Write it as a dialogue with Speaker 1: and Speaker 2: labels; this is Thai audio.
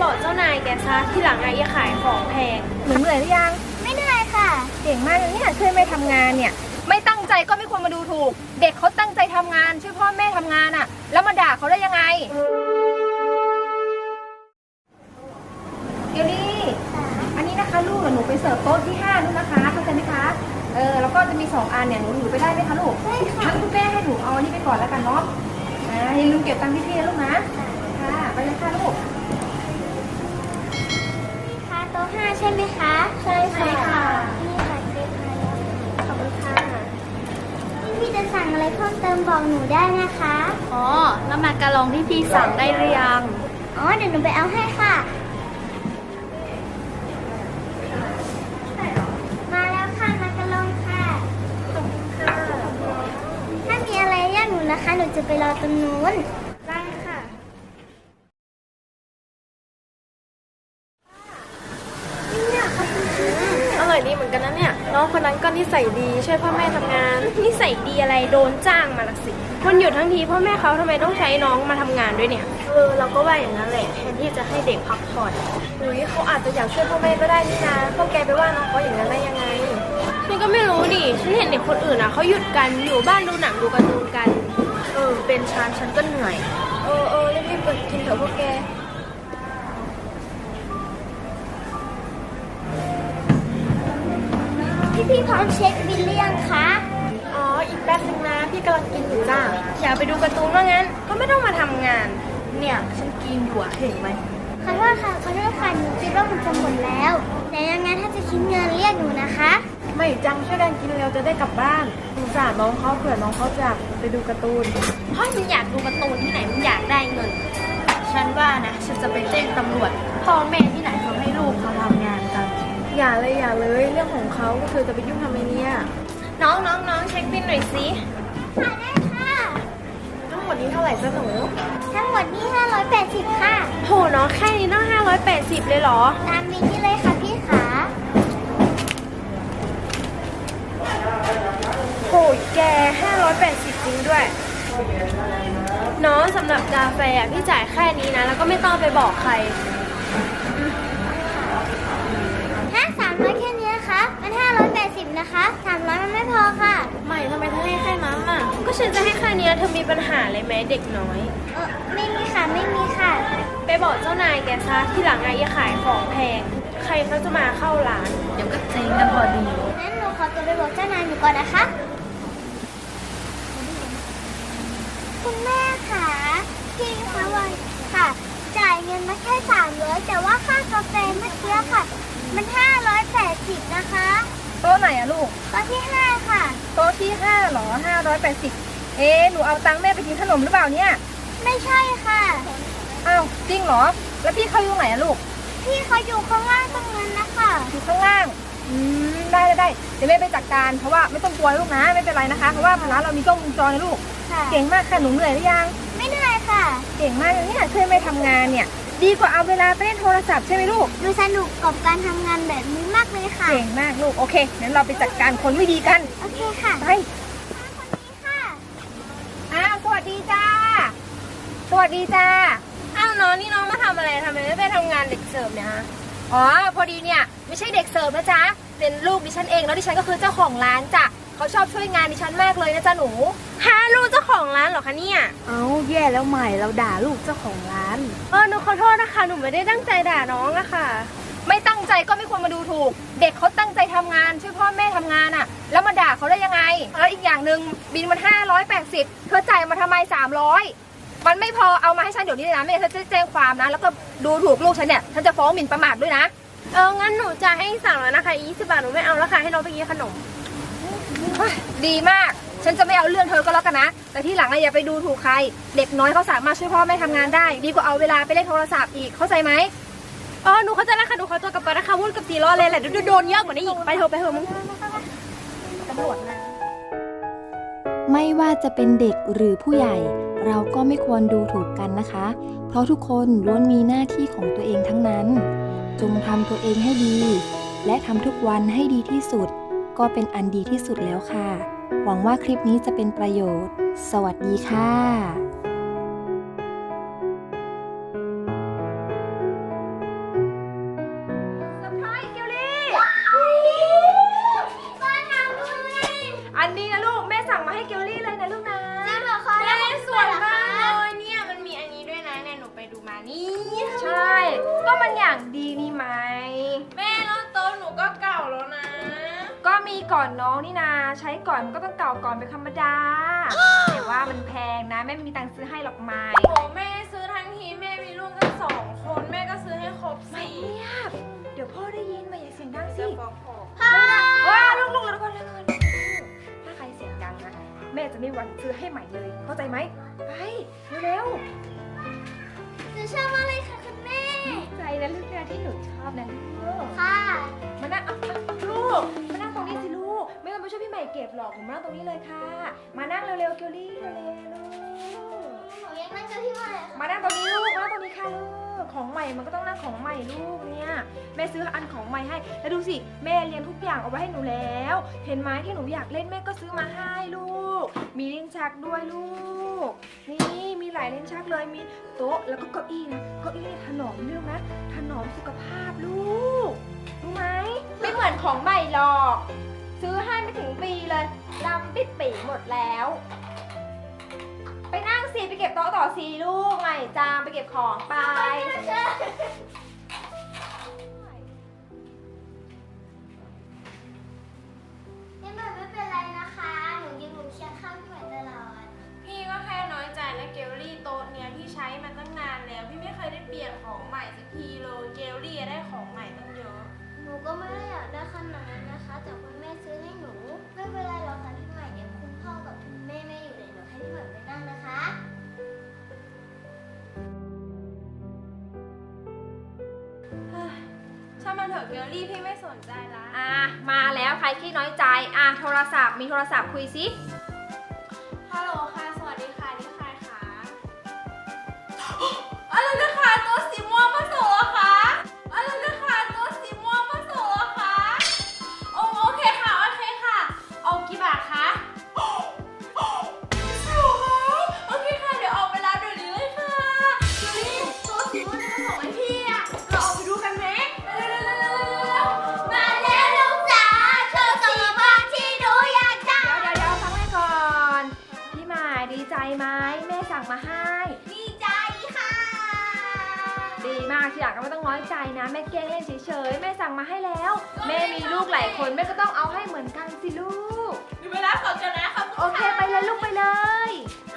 Speaker 1: บอกเจ้านายแกซะที่หลังอย่าขายของแพงหนูเหนื่อยหรือยัง
Speaker 2: ไม่เหนื่อยค่ะ
Speaker 1: เก่งมากเลยเนี่ยช่วยแม่ทำงานเนี่ยไม่ตั้งใจก็ไม่ควรมาดูถูกเด็กเขาตั้งใจทำงานช่วยพ่อแม่ทำงานอ่ะแล้วมาด่าเขาได้ยังไงเดี๋ยวนี้อันนี้นะคะลูกหนูไปเสิร์ฟโต๊ะที่5นู่นนะคะเข้าใจไหมคะแล้วก็จะมี2อันเนี่ยหนูถือไปได้ไหมคะลูก
Speaker 2: ได้ค่ะ
Speaker 1: งั้นคุณแม่ให้หนูเอาอันนี้ไปก่อนแล้วกันเนาะอย่าลืมเก็บตังค์พี่ๆนะลูกนะค่ะไปเลยค่ะลูก
Speaker 2: นี่ค่ะโต๊ะ5ใช่ไหมคะ
Speaker 1: ใช่ค่ะ
Speaker 2: นี่ค่ะเช็คมาแล้ว
Speaker 1: ขอบคุณค่ะ
Speaker 2: พี่จะสั่งอะไรเพิ่มเติมบอกหนูได้นะคะ
Speaker 1: อ๋อแล้วมาการองที่พี่สั่งได้หรือยัง
Speaker 2: อ๋อเดี๋ยวหนูไปเอาให้ค่ะมาแล้วค่ะมากระลองค่ะถ้ามีอะไรเรียกหนูนะคะหนูจะไปรอตรงนู้นได้ค่ะเนี่ยขอบคุณค่ะ
Speaker 1: อร่อยดีเหมือนกันนะเนี่ยน้องคนนั้นก็นิสัยดีช่วยพ่อแม่ทำงานนิสัยดีอะไรโดนจ้างมาละสิวันหยุดทั้งทีพ่อแม่เขาทำไมต้องใช้น้องมาทำงานด้วยเนี่ยเราก็ว่าอย่างนั้นแหละแทนที่จะให้เด็กพักผ่อนเขาอาจจะอยากช่วยพ่อแม่ก็ได้นี่นะพวกแกไปว่าน้องเขาอย่างนั้นได้ยังไงฉันก็ไม่รู้ดิฉันเห็นเด็กคนอื่นอ่ะเขาหยุดกันอยู่บ้านดูหนังดูการ์ตูนกันเป็นฉันก็เหนื่อยรีบๆเปิดกินเถอะพวกแก
Speaker 2: พี่พร้อมเช็คบิลหรือยังคะ
Speaker 1: อ๋ออีกแป๊บนึงนะพี่กำลังกินอยู่จ้าอยากไปดูการ์ตูนว่างั้นก็ไม่ต้องมาทำงานเนี่ยฉันกินอยู่อะเห็นไหม
Speaker 2: ขอโทษค่ะหนูคิดว่ามันจะหมดแล้วแต่ยังไงถ้าจะคิดเงินเรียกหนูนะคะ
Speaker 1: ไม่จังช่วยกันกินเร็วจะได้กลับบ้านสงสารน้องเขาเผื่อน้องเขาจะไปดูการ์ตูนเพราะมันอยากดูการ์ตูนที่ไหนมันอยากได้เงินฉันว่านะฉันจะไปแจ้งตำรวจพ่อแม่ที่ไหนเขาให้ลูกเขาทำงานกันอย่าเลยเรื่องของเขาเธอจะไปยุ่งทำไมเนี่ยน้องเช็คบิลหน่อยสิ
Speaker 2: ค่ะได้ค่ะ
Speaker 1: ทั้งหมดนี้เท่าไหร่จ้าหนู
Speaker 2: ทั้งหมดนี่580ค่ะ
Speaker 1: โหน้องแค่นี้ต้อง580เลยเหรอ
Speaker 2: ตามบิลนี่เลยค่ะพี่ขา
Speaker 1: โหแก580จริงด้วยน้องสำหรับกาแฟพี่จ่ายแค่นี้นะแล้วก็ไม่ต้องไปบอกใคร
Speaker 2: 300แค่นี้นะคะมัน580นะคะ300มันไม่พอค่ะ
Speaker 1: ไม่ทำไมเธอให้แค่นั้นอ่ะก็ฉันจะให้แค่นี้เธอมีปัญหาอะไรไหมเด็กน้อย
Speaker 2: ไม่มีค่ะ
Speaker 1: ไปบอกเจ้านายแกซะที่หลังอย่าขายของแพงใครเขาจะมาเข้าร้านเดี๋ยวก็เจ๊งกันพอดี
Speaker 2: งั้นหนูขอตัวไปบอกเจ้านายหนูก่อนนะคะคุณแม่ค่ะพี่คะวันค่ะจ่ายเงินมาแค่300แต่ว่าค่ากาแฟเมื่อกี้ค่ะมัน580นะคะ
Speaker 1: โต๊ะไหนอะลูก
Speaker 2: โต๊ะที่5ค่ะ
Speaker 1: โต๊ะที่5เหรอ580หนูเอาตังค์แม่ไปกินขนมหรือเปล่าเนี่ย
Speaker 2: ไม่ใช่ค่ะ
Speaker 1: อ้าวจริงเหรอแล้วพี่เขาอยู่ไหนอะลูก
Speaker 2: พี่เขาอยู่ข้างล่างตรงนั้นนะคะ
Speaker 1: อยู่ข้างล่างได้เดี๋ยวแม่ไปจัดการเพราะว่าไม่ต้องกลัวลูกนะไม่เป็นไรนะคะเพราะว่าร้านเรามีกล้องวงจรนะลูกเก่งมากค่ะหนูเหนื่อยหรือยัง
Speaker 2: ไม่เหนื่อยค่ะ
Speaker 1: เก่งมากเลยเนี่ยช่วยแม่ทำงานเนี่ยดีกว่าเอาเวลาไปเล่นโทรศัพท์ใช่ไหมลูก
Speaker 2: ดูสนุกกับการทำงานแบบนี้มากเลยค่ะ
Speaker 1: เก่งมากลูกโอเคงั้นเราไปจัดการคนไม่ดีกัน
Speaker 2: โอเคค่ะ
Speaker 1: ไป
Speaker 2: คนนี้ค่ะ
Speaker 1: สวัสดีจ้าอ้าวน้องนี่น้องมาทำอะไรทำไมไม่ไปทำงานเด็กเสิร์ฟเนี่ยฮะอ๋อพอดีเนี่ยไม่ใช่เด็กเสิร์ฟนะจ๊ะเป็นลูกดิฉันเองแล้วดิฉันก็คือเจ้าของร้านจ้ะเขาชอบช่วยงานดิฉันมากเลยนะจ๊ะหนูลูกเจ้าของร้านเหรอคะเนี่ย
Speaker 3: แย่แล้วใหม่เราด่าลูกเจ้าของร้าน
Speaker 1: หนูขอโทษนะคะหนูไม่ได้ตั้งใจด่าน้องอะค่ะไม่ตั้งใจก็ไม่ควรมาดูถูกเด็กเขาตั้งใจทำงานช่วยพ่อแม่ทำงานอะแล้วมาด่าเขาได้ยังไงแล้วอีกอย่างหนึ่งบินมัน580เธอจ่ายมาทำไม300มันไม่พอเอามาให้ฉันเดี๋ยวนี้เลยนะไม่งั้นฉันจะแจ้งความนะแล้วก็ดูถูกลูกฉันเนี่ยฉันจะฟ้องหมิ่นประมาทด้วยนะงั้นหนูจะให้สั่งแล้วนะคะ20 บาทหนูไม่เอาแล้วค่ะให้น้องไปกินขนมดีมากฉันจะไม่เอาเรื่องเธอก็แล้วกันนะแต่ที่หลังอย่าไปดูถูกใครเด็กน้อยเขาสามารถช่วยพ่อแม่ทำงานได้ดีกว่าเอาเวลาไปเล่นโทรศัพท์อีกเข้าใจไหมหนูเข้าใจแล้วค่ะหนูขอตัวกลับไปนะคะวุ่นกับตีล้อเลยแหละโดนเยอะกว่านี้อีกไปเถอะมึงตำรวจนะ
Speaker 3: ไม่ว่าจะเป็นเด็กหรือผู้ใหญ่เราก็ไม่ควรดูถูกกันนะคะเพราะทุกคนล้วนมีหน้าที่ของตัวเองทั้งนั้นจงทำตัวเองให้ดีและทำทุกวันให้ดีที่สุดก็เป็นอันดีที่สุดแล้วค่ะหวังว่าคลิปนี้จะเป็นประโยชน์สวัสดีค่ะ
Speaker 1: ก่อนน้องนี่นาใช้ก่อนมันก็ต้องเก่าก่อนเป็นธรรมดา แต่ว่ามันแพงนะแม่ไม่มีตังค์ซื้อให้หรอกไม่
Speaker 4: โอ้แม่ซื้อทั้งทีแม่มีลูกกัน2 คนแม่ก็ซื้อให้ครบ
Speaker 1: ไม่
Speaker 4: 4
Speaker 1: เงียบเดี๋ยวพ่อได้ยินมาอย่าเสียงดังสิ
Speaker 4: จะฟ้องพ่อ
Speaker 1: ว้าลูกแล้วก่อนถ้าใครเสียงดังนะแม่จะไม่หวั่นซื้อให้ใหม่เลยเข้าใจไหมไปเร็ว
Speaker 2: หนูชอบมากเลยค่ะคุณแม่
Speaker 1: ๆใจนะลูกนะที่หนูชอบนะลูก
Speaker 2: ค่ะ
Speaker 1: มานั่งลูกมานั่งตรงนี้สิลูกไม่ต้องไปช่วยพี่ใหม่เก็บหรอกผมมานั่งตรงนี้เลยค่ะ มานั่งเร็วๆเกลลี่เร็วๆลูก
Speaker 2: หนูยังนั่งกับพี่ใหม่
Speaker 1: มานั่งตรงนี้ลูกมานั่งตรงนี้ค่ะลูกของใหม่มันก็ต้องนั่งของใหม่ลูกเนี่ยแม่ซื้ออันของใหม่ให้แล้วดูสิแม่เรียงทุกอย่างเอาไว้ให้หนูแล้ว เห็นไหมที่หนูอยากเล่นแม่ก็ซื้อมาให้ลูก มีลิ้นชักด้วยลูกนี่มีหลายลิ้นชักเลยมีโต๊ะแล้วก็เก้าอี้นะเก้าอี้ถนอมเรื่องนะถนอมสุขภาพลูกรู้ไหมไม่เหมือนของใหม่หรอก ซื้อให้ไม่ถึงปีเลยดำปิดปีหมดแล้ว ไปนั่งสิไปเก็บโต๊ะต่อสิลูกใหม่จามไปเก็บของไป
Speaker 2: พี่ใหม่ไม่เป็นไรนะคะ หนูยังอยู่เคียงข้างพี่ใหม่ตลอด
Speaker 4: พี่ก็แค่น้อยใจนะเกลลี่โต๊ะเนี้ยพี่ใช้มาตั้งนานแล้วพี่ไม่เคยได้เปลี่ยนของใหม่สักทีเลยเกลลี่ได้ของใหม่ตั้งเยอะ
Speaker 2: หนูก็ไม่ได้อยากได้ขนาดนั้นนะคะ แต่คุณแม่ซื้อให้หนู ไม่เป็นไรหรอกค่ะพี่ใหม่เดี๋ยวคุณพ่อกับคุณแม่ไม่อยู่เลยเดี๋ยวให้พี่ใหม่ไปนั่งนะคะ
Speaker 4: ช่างมันเถอะเกลลี่พี่ไม่สนใจละ
Speaker 1: มาแล้วใครขี้น้อยใจโทรศัพท์มีโทรศัพท์คุยสิ
Speaker 4: ฮัลโหลค่ะสวัสดีค่ะนี่ใครคะอะไรนะคะตัวสีม่วงมาส่งเหรอคะอะไรนะคะตัวสีม่วงมาส่งเหรอคะโอเคค่ะโอเคค่ะเอากี่บาทคะโอเคค่ะเดี๋ยวเอาไปรับเดี๋ยวนี้เลยค่ะเดี๋ยวนี้ตัวสีม่วงจะมาส่งให้พี่อะเราออกไปดูกันไหมเร็วๆๆๆ
Speaker 2: มาแล้วลูกจ๋าโชว์สีม่วงที่หนูอยากได้
Speaker 1: เดี๋ยวฟังแม่ก่อนพี่หมายดีใจไหมแม่สั่งมาให้
Speaker 2: ดีใจค่ะ
Speaker 1: ดีมากทีหลังก็ไม่ต้องน้อยใจนะแม่แกล้งเล่นเฉยๆแม่สั่งมาให้แล้ว แม่มีลูกหลายคนแม่ก็ต้องเอาให้เหมือนกันสิลูก
Speaker 4: มีเวลาขอกันนะครับ
Speaker 1: โอเคไปเลยลูกไปเลย